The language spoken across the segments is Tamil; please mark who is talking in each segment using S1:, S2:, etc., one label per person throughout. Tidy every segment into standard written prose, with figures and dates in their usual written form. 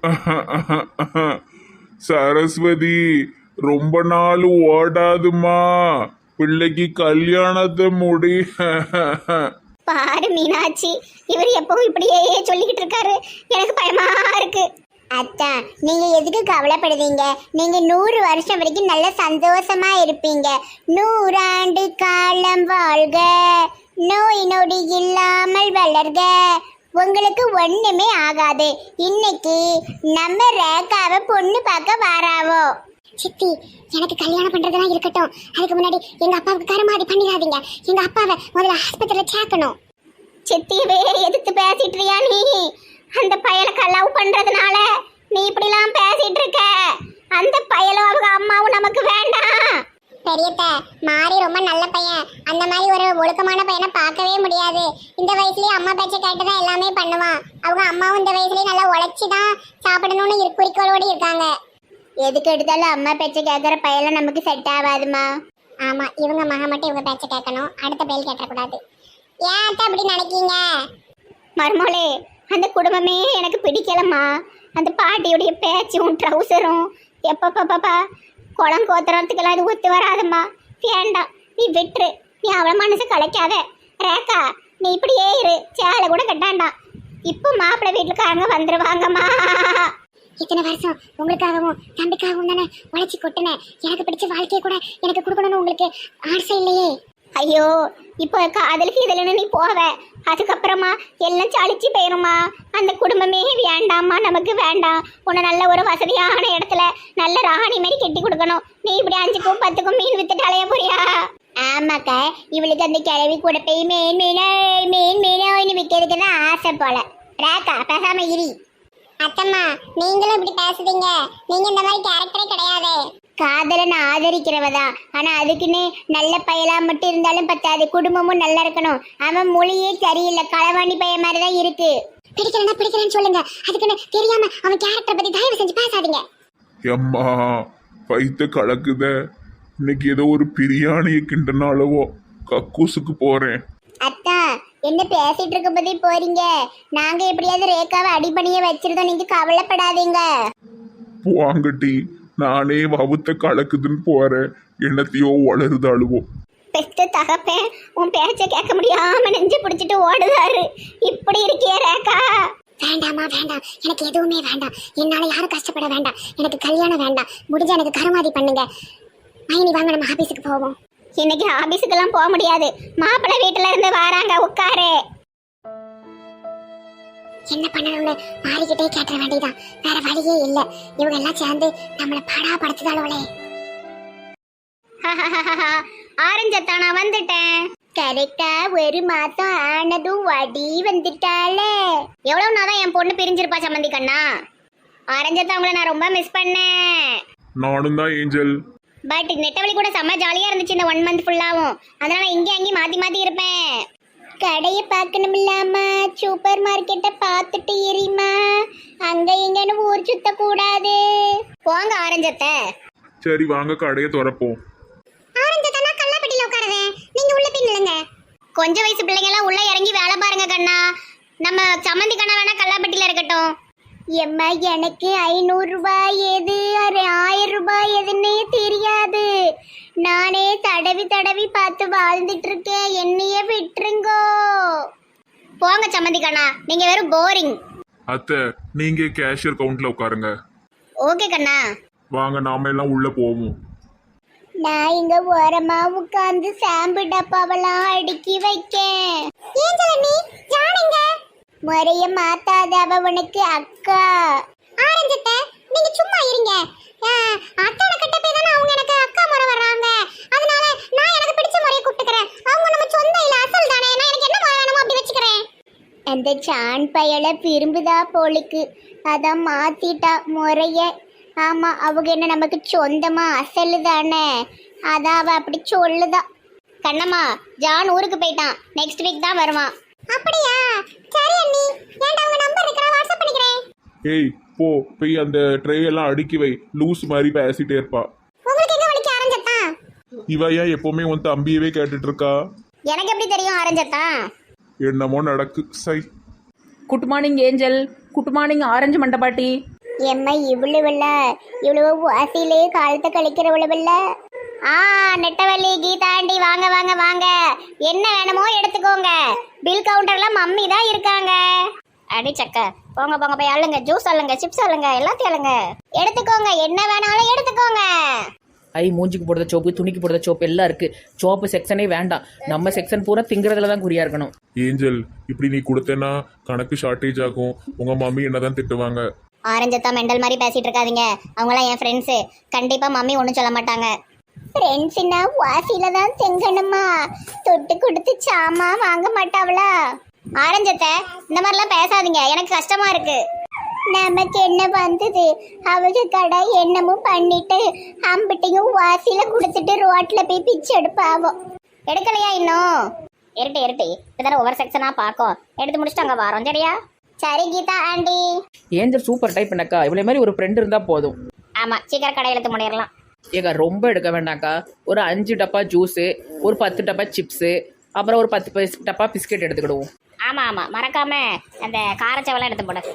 S1: சரஸ்வதி, ரொம்ப நாள் ஓடாதுமா, பிள்ளைக்கு கல்யாணத்தை முடி.
S2: பாரு மீனாட்சி, இவர் எப்பவும் இப்படியே சொல்லிக்கிட்டு இருக்காரு, எனக்கு பயமா இருக்கு. அத்தான், நீங்க எதுக்கு கவலைப்படுவீங்க? நீங்க 100 வருஷம் வரைக்கும் நல்ல சந்தோஷமா இருப்பீங்க. 100 ஆண்டு காலம் வாழ்க, நோய் நொடி இல்லாமல் வளர்க, உங்களுக்கு ஒண்ணுமே ஆகாது. இன்னைக்கு நம்ம ரேகாவை பொண்ணு பார்க்க வாராவோ. சித்தி, எனக்கு கல்யாணம் பண்றதெல்லாம் இருக்கட்டும், அதுக்கு முன்னாடி எங்க அப்பாவுக்கு கருமாதி பண்ணிடாதீங்க. எங்க அப்பாவை முதல்ல ஆஸ்பத்திரியில சேர்க்கணும். சித்தியவே எதிர்த்து பேசிட்டுறியா நீ? அந்த பயலுக்கு லவ் பண்றதுனால நீ இப்படிலாம் பேசிட்டு இருக்க. அந்த பயலும் அவங்க அம்மாவும் நமக்கு வேண்டாம். பெரியத்த மாறி ரொம்ப நல்ல பையன். அந்த மாதிரி ஒரு ஒழுக்கமான பையனை பார்க்கவே முடியாது. இந்த வயசுலயே அம்மா பேச்சை கேட்டுதான் எல்லாமே பண்ணுவான். அவங்க அம்மாவும் இந்த வயசுலயே நல்லா உழைச்சிதான் சாப்பிடணும்னு குறிக்கோளோடு இருக்காங்க. எதுக்கு எடுத்தாலும் அம்மா பேச்சை கேட்கற பையெல்லாம் நமக்கு செட் ஆகாதுமா. ஆமா, இவங்க மகன் மட்டும் இவங்க பேச்சை கேட்கணும், அடுத்த பையல் கேட்டக்கூடாது. ஏன் அப்படி நினைக்கீங்க? மருமோளே, அந்த குடும்பமே எனக்கு பிடிக்கலம்மா. அந்த பாட்டியுடைய பேச்சும் ட்ரௌசரும் எப்பப்பா குளம் கோத்துறதுக்கெல்லாம் இது ஒத்து வராதம்மா. வேண்டாம், நீ விட்டுரு. நீ அவள மனசு கலைக்காத. ரேகா, நீ இப்படியே இரு, சேலை கூட கட்டாண்டாம். இப்போ மாப்பிள்ளை வீட்டுக்காரங்க வந்துருவாங்கம்மா. இத்தனை வருஷம் உங்களுக்காகவும் தம்பிக்காகவும் தானே உழைச்சி கொட்டினேன். எனக்கு பிடிச்ச வாழ்க்கையை கூட எனக்கு கொடுக்கணும்னு உங்களுக்கு ஆசை இல்லையே? ஐயோ, இப்போ காதலுக்கு இதில் நீ போவ, அதுக்கப்புறமா எல்லாம் சளிச்சு போயிருமா. அந்த குடும்பமே வேண்டாம்மா, நமக்கு வேண்டாம். உன்னை நல்ல ஒரு வசதியான இடத்துல நல்ல ராணி மாதிரி கெட்டி கொடுக்கணும். நீ இப்படி 5க்கும் 10க்கும் மீன் வித்துட்டு அலைய போறியா? ஆமாக்கா, இவளுக்கு அந்த கிழவி கூட போய் மீன் மீனோன்னு விற்கிறதுக்கு தான் ஆசை போல. ரேகா, பேசாம இரி. அத்தம்மா, நீங்களும் இப்படி பேசுறீங்க. நீங்க இந்த மாதிரி கேரக்டரே கிடையாது. காதலை நான் ஆதரிக்கிறவதான். ஆனா அதுக்குன்னு நல்ல பயலா மட்டும் இருந்தாலும் பத்தாது, குடும்பமும் நல்லா இருக்கணும். அவன் மொழியே சரியில்லை, களவாணி பையன் மாதிரிதான் இருக்கு. பிடிக்கிறேன்னு சொல்லுங்க, அதுக்குன்னு தெரியாம அவன் கேரக்டரை பத்தி தயவு செஞ்சு பேசாதீங்க.
S1: எம்மா, வயிற்று கலக்குத. இன்னைக்கு ஏதோ ஒரு பிரியாணியை கிண்டனாலவோ கக்கூசுக்கு போறேன்.
S2: அத்தா, என்ன பேசிட்டு இருக்க பத்தி போறீங்க? நாங்க எப்படியாவது ரேகாவை அடிப்பணிய வச்சிருந்தோம், நீங்க கவலைப்படாதீங்க.
S1: வாங்கட்டி, நானே வவுத்த கலக்குதுன்னு போறேன், என்னத்தையோ வளருதாளுவோ.
S2: பெத்த தகப்பேன் உன் பேச்ச கேட்க முடியாம நெஞ்சு பிடிச்சிட்டு ஓடுதாரு. இப்படி இருக்கிய ரேகா? வேண்டாமா, வேண்டாம், எனக்கு எதுவுமே வேண்டாம். என்னால யாரும் கஷ்டப்பட வேண்டாம். எனக்கு கல்யாணம் வேண்டாம். முடிஞ்சா எனக்கு கருமாதி பண்ணுங்க. மைனி, வாங்க நம்ம ஆபீஸுக்கு போவோம். இன்னைக்கு ஆபீஸுக்கெல்லாம் போக முடியாது. மாப்பிள்ளை வீட்டுல இருந்து வராங்க, உட்காரு. என்ன பண்ணணும்னு மாறிக்கிட்டே கேட்ட வேண்டியதான், வேற வழியே இல்ல. இவங்க எல்லாம் சேர்ந்து நம்மள பாடா படுத்துதாளோலே. ஆரஞ்சத்தா, நான் வந்துட்டேன். கரெக்டா 1 மாசம் ஆனதும் வடி வந்துட்டாளே. எவ்வளவு நாள் தான் என் பொண்ணு பிரிஞ்சிருப்பா சம்மந்தி கண்ணா. ஆரஞ்சத்தா, உங்களை நான் ரொம்ப மிஸ் பண்ணேன்.
S1: நானும் தான் ஏஞ்சல்.
S2: பட் நெட்டவழி கூட செம்ம ஜாலியா இருந்துச்சு இந்த 1 மந்த் ஃபுல்லாவும். அதனால இங்கே அங்கேயும் மாத்தி இருப்பேன். கடையை பார்க்கணும் இல்லாம சூப்பர் மார்க்கெட்டை பார்த்துட்டு எரியுமா. அங்க இங்கன்னு ஊர் சுத்த கூடாது. போங்க ஆரஞ்சத்தை.
S1: சரி, வாங்க கடையை திறப்போம்.
S2: ஆரஞ்சத்தை, நான் கல்லாப்பட்டியில உட்காருவேன், நீங்க உள்ள போய் நில்லுங்க. கொஞ்சம் வயசு பிள்ளைங்க எல்லாம் உள்ள இறங்கி வேலை பாருங்க கண்ணா. நம்ம சம்மந்தி கண்ணா வேணா கல்லாப்பட்டியில இருக்கட்டும். எம்மா, எனக்கு 500 ரூபாய் எது 1000 ரூபாய் எதுன்னே தெரியாது. நானே தடவி பார்த்து வாழ்ந்துட்டு இருக்கேன், என்னையே விட்டுருங்கோ. போங்க சம்மந்தி கண்ணா, நீங்க வெறும் போரிங்.
S1: அத்தை, நீங்க கேஷியர் கவுண்ட்ல உட்காருங்க.
S2: ஓகே கண்ணா.
S1: வாங்க, நாம எல்லாம் உள்ள போவோம்.
S2: நான் இங்க ஓரமா உட்கார்ந்து சாம்பு டப்பாவெல்லாம் அடுக்கி வைக்கேன். முறைய மாத்தாத, அவ உனக்கு அக்கா. ஆரஞ்சத்தை, நீங்க சும்மா இருங்க. அத்தான கிட்ட போய் தானே அவங்க எனக்கு அக்கா முறை வர்றாங்க. அதனால நான் எனக்கு பிடிச்ச முறையை கூப்பிட்டுக்கிறேன். அவங்க நம்ம சொந்த இல்ல, அசல் தானே. நான் எனக்கு என்ன முறை வேணுமோ அப்படி வச்சுக்கிறேன். அந்த சான் பயலை விரும்புதா போலுக்கு, அதான் மாத்திட்டா முறைய. ஆமா, அவங்க என்ன நமக்கு சொந்தமா அசலு தானே, அதான் அவ அப்படி சொல்லுதா. கண்ணம்மா, ஜான் ஊருக்கு போயிட்டான், நெக்ஸ்ட் வீக் தான் வருவான். அப்படியா? சரி அண்ணி, ஏன்டா உங்க நம்பர் இருக்கா, வாட்ஸ்அப் பண்ணிக்கிறேன்.
S1: ஏய், போய் அந்த ட்ரே எல்லாம் அடுக்கி வை. லூஸ் மாதிரி பேசிட்டே இருப்பா.
S2: உங்களுக்கு எங்க வலிக்க ஆரஞ்சத்தா?
S1: இவ ஏன் எப்பவுமே உன் தம்பியவே கேட்டுட்டு இருக்கா?
S2: எனக்கு எப்படி தெரியும் ஆரஞ்சத்தா?
S1: என்னமோ நடக்கு. சை.
S3: Good morning Angel. Good morning orange மண்டபாட்டி.
S2: எம்மா இவ்வளவுல இவ்வளவு வாசியிலே காலத்தை கழிக்கிறவளவுல. நெட்டவள்ளி கீதாண்டி வாங்க வாங்க வாங்க, என்ன வேணுமோ எடுத்துக்கோங்க. பில் கவுண்டர்ல மம்மி தான் இருக்காங்க. அடி சக்க, போங்க போங்க போய் அள்ளுங்க, ஜூஸ் அள்ளுங்க, சிப்ஸ் அள்ளுங்க, எல்லாத்தையும் அள்ளுங்க. எடுத்துக்கோங்க, என்ன வேணாலும் எடுத்துக்கோங்க.
S3: ஐ மூஞ்சிக்கு போடுற சோப்பு, துணிக்கு போடுற சோப்பு எல்லாம் இருக்கு. சோப்பு செக்ஷனே வேண்டாம், நம்ம செக்ஷன் பூரா திங்கிறதுல தான் குறியா இருக்கணும்.
S1: ஏஞ்சல், இப்படி நீ கொடுத்தேன்னா கணக்கு ஷார்ட்டேஜ் ஆகும். உங்க மம்மி என்னதான் திட்டுவாங்க.
S2: ஆரஞ்சத்தா மெண்டல் மாதிரி பேசிட்டு இருக்காதீங்க. அவங்களாம் என் ஃப்ரெண்ட்ஸு, கண்டிப்பா மம்மி ஒன்றும் சொல்ல மாட்டாங்க. ஃப்ரெண்ட்ஸ்னா வாசியில தான் செங்கணுமா, தொட்டு கொடுத்து சாமா வாங்க மாட்டாவளா? ஆரஞ்சத்தை இந்த மாதிரிலாம் பேசாதீங்க, எனக்கு கஷ்டமா இருக்கு. நமக்கு என்ன வந்தது, அவங்க கடை என்னமும் பண்ணிட்டு அம்பிட்டையும் வாசியில கொடுத்துட்டு ரோட்ல போய் பிச்சு எடுப்பாவோம். எடுக்கலையா இன்னும்? இருட்டு இருட்டு இப்பதான ஒவ்வொரு செக்ஷனா பார்க்கும், எடுத்து முடிச்சுட்டு அங்க வரோம். சரியா? சரி Geetha aunty.
S3: Angel super type பண்ணக்கா, இவ்வளோ மாதிரி ஒரு ஃப்ரெண்ட் இருந்தால் போதும்.
S2: ஆமா, சீக்கிரம் கடை எடுத்து முடிடலாம்.
S3: ஏக்கா ரொம்ப எடுக்க வேண்டாம்க்கா, ஒரு 5 டப்பா ஜூஸு, ஒரு 10 டப்பா சிப்ஸு, அப்புறம் ஒரு 10 டப்பா பிஸ்கெட் எடுத்துக்கிடுவோம்.
S2: ஆமா ஆமா, மறக்காம அந்த காரச்சவெல்லாம் எடுத்து போடு.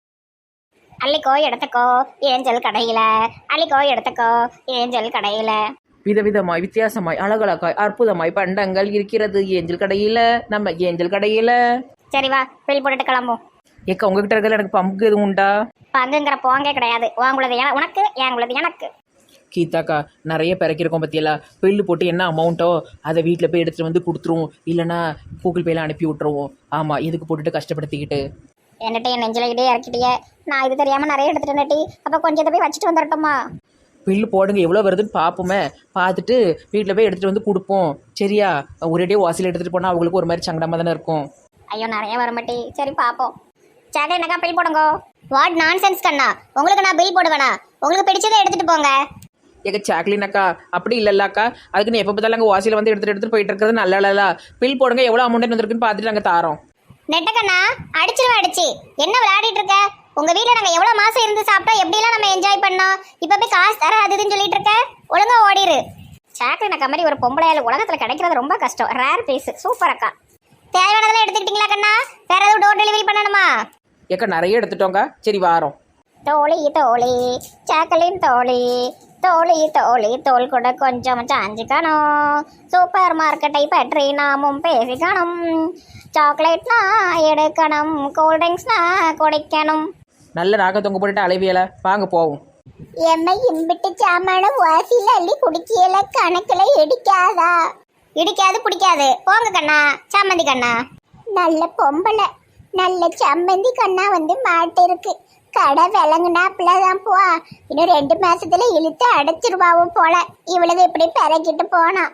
S2: அள்ளிக்கோ எடுத்துக்கோ ஏஞ்சல் கடையில, அள்ளிக்கோ எடுத்துக்கோ ஏஞ்சல் கடையில.
S3: விதவிதமாய் வித்தியாசமாய் அழகழகாய் அற்புதமாய் பண்டங்கள் இருக்கிறது ஏஞ்சல் கடையில, நம்ம ஏஞ்சல் கடையில.
S2: சரி வா, பில் போட்டுட்டு கிளம்பும்.
S3: ஏக்கா உங்ககிட்ட இருக்கிற எனக்கு பங்கு எதுவும் உண்டா?
S2: பங்குங்கிற போங்கே கிடையாது. உங்களது உனக்கு, எங்களது எனக்கு.
S3: கீதாக்கா நிறைய பிறக்கிருக்கோம் பற்றியெல்லாம், பில்லு போட்டு என்ன அமௌண்ட்டோ அதை வீட்டில் போய் எடுத்துகிட்டு வந்து கொடுத்துருவோம், இல்லைனா கூகுள் பேல அனுப்பி விட்ருவோம். ஆமாம், எதுக்கு போட்டுட்டு கஷ்டப்படுத்திக்கிட்டு.
S2: என்னட்டு என் நெஞ்சிலகிட்டே இறக்கிட்டியே, நான் இது தெரியாமல் நிறைய எடுத்துட்டு நட்டி. அப்போ கொஞ்சத்தை போய் வச்சுட்டு வந்துடட்டுமா?
S3: பில்லு போடுங்க, எவ்வளோ வருதுன்னு பார்ப்போமே, பார்த்துட்டு வீட்டில் போய் எடுத்துகிட்டு வந்து கொடுப்போம். சரியா? ஒரேடியே வாசியில் எடுத்துகிட்டு போனால் அவங்களுக்கு ஒரு மாதிரி சங்கடமாக தானே இருக்கும்.
S2: ஐயோ நிறைய வர மாட்டி. சரி பார்ப்போம். சரி என்னக்கா பில் போடுங்க. வாட் நான்சென்ஸ் கண்ணா, உங்களுக்கு நான் பில் போடுவேனா? உங்களுக்கு பிடிச்சதை எடுத்துட்டு போங்க.
S3: ஏங்க சாக்லின் அக்கா, அப்படி இல்லைல்லாக்கா, அதுக்கு நீ எப்போ பார்த்தாலும் அங்கே வாசியில் வந்து எடுத்துகிட்டு போயிட்டு இருக்கிறது நல்ல. பில் போடுங்க, எவ்வளோ அமௌண்ட் வந்துருக்குன்னு பார்த்துட்டு நாங்கள் தாரோம்.
S2: நெட்டக்கண்ணா அடிச்சிருவேன். அடிச்சு என்ன விளையாடிட்டு இருக்க? உங்க வீட்டில் நாங்கள் எவ்வளோ மாசம் இருந்து சாப்பிட்டோம், எப்படிலாம் நம்ம என்ஜாய் பண்ணோம். இப்போ போய் காசு தர அதுன்னு சொல்லிட்டு இருக்க, ஒழுங்கா ஓடிரு. சாக்லின் அக்கா மாதிரி ஒரு பொம்பளையால் உலகத்தில் கிடைக்கிறது ரொம்ப கஷ்டம். Rare piece. சூப்பர் அக்கா. தேவையானதெல்லாம் எடுத்துக்கிட்டீங்களா கண்ணா? வேற எதுவும் டோர் டெலிவரி பண்ணணுமா?
S3: ஏக்கா நிறைய எடுத்துட்டோங்க, சரி வாரோம்.
S2: தோழி தோழி சாக்லின் தோழி, தோழி தோழி தோல் கூட கொஞ்சம் சாஞ்சிக்கணும். சூப்பர் மார்க்கெட்டை பற்றி நாமும் பேசிக்கணும். சாக்லேட்னா எடுக்கணும், கூல்ட்ரிங்க்ஸ்னா குடிக்கணும்.
S3: நல்ல நாக தொங்க போட்டுட்டு அலைவியல, வாங்க போவோம்.
S2: எம்மை இம்பிட்டு சாமான வாசியில் அள்ளி குடிக்கல, கணக்கில் இடிக்காதா? இடிக்காது பிடிக்காது. போங்க கண்ணா, சம்மந்தி கண்ணா. நல்ல பொம்பளை, நல்ல சம்மந்தி கண்ணா வந்து மாட்டு இருக்கு. கடை விளங்குனாப்புலதான் போ. இன்னும் 2 மாசத்துல இழுத்து அடைச்சிருவாவும் போல. இவ்வளவு இப்படி பிறக்கிட்டு போனா.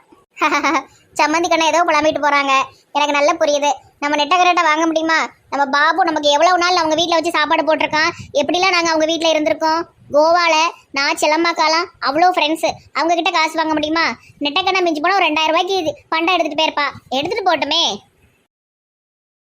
S2: சம்மந்தி கண்ணா ஏதோ புலம்பிட்டு போறாங்க. எனக்கு நல்லா புரியுது. நம்ம நெட்டகரட்டை வாங்க முடியுமா? நம்ம பாபு நமக்கு எவ்வளவு நாள் அவங்க வீட்டில் வச்சு சாப்பாடு போட்டிருக்கான். எப்படிலாம் நாங்கள் அவங்க வீட்டில் இருந்திருக்கோம். கோவாவில் நான் செல்லம்மாக்காலாம் அவ்வளோ ஃப்ரெண்ட்ஸு. அவங்க கிட்ட காசு வாங்க முடியுமா? நெட்டக்கண்ணா மிஞ்சி போனால் ஒரு 2000 ரூபாய்க்கு பண்டை எடுத்துகிட்டு போயிருப்பா. எடுத்துகிட்டு போட்டுமே.